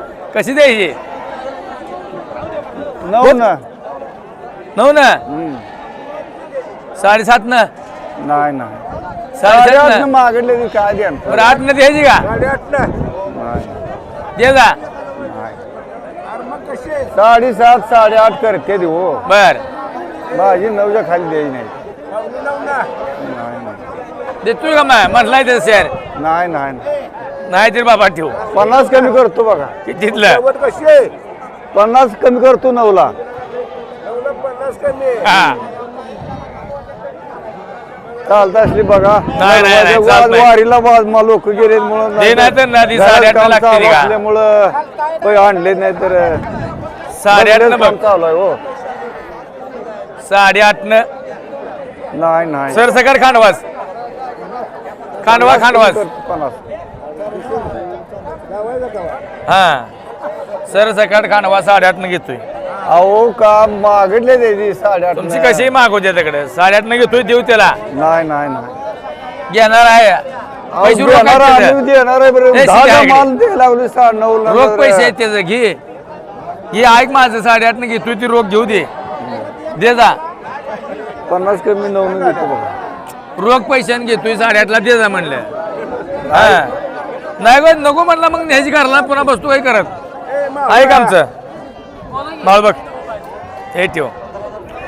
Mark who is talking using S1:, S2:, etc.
S1: कशी द्यायची
S2: 9 ना
S1: 9 ना 7.5 ना
S2: नाही नाही
S1: 7.5
S2: 8
S1: ना
S2: मागितले की काय द्या
S1: बरं 8 ना द्यायची का
S2: 8.5 ना
S1: दे जा
S2: 7.5 8.5 करते देऊ
S1: बर
S2: माझी 9च्या खाली द्यायची नाही
S1: देतोय का मग म्हटलाय ते शेअर
S2: नाही नाही
S1: नाही तर बाबा ठेवू
S2: 50 कमी करतो बघा
S1: कितीतलं
S2: 50 कमी करतो 9ला
S1: हा
S2: चालत असली बघा
S1: नाही, नाही, चालत नाही.
S2: वारीला लोक गेले म्हणून
S1: दे नाही तर नदी 8.5 लागते का
S2: असल्यामुळं काही आणले नाही तर
S1: 8.5 न बघ
S2: चालू आहे हो
S1: 8.5 न
S2: नाही नाही
S1: सर सकाळ खांडवास खांडवास
S2: 50
S1: हा सर सकाळ खांडवा 8.5 न घेतोय
S2: अहो का मागितले त्याची 8.5
S1: तुमची कशी मागू त्याच्याकडे 8.5 न घेतोय देऊ त्याला
S2: नाही नाही नाही
S1: घेणार आहे पैसे रोख
S2: देणार
S1: आहेत
S2: आम्ही
S1: त्याचे.
S2: देणार आहे बरं
S1: नाही,
S2: 10
S1: शिकायकडे.
S2: माल द्यायला लागली 9.5
S1: रोख पैसे आहेत त्याचं घे हे ऐक माझं 8.5 न घेतोय ती रोख घेऊ दे दे जा
S2: 50 कमी 9 घेतो बघा
S1: रोख पैशाने घेतोय 8.5 ला दे जा म्हणलं हा नाही गो नको म्हणला मग न्यायची घरला पुन्हा बसतो काही करत ऐक आमचं माल बघ हे ठेव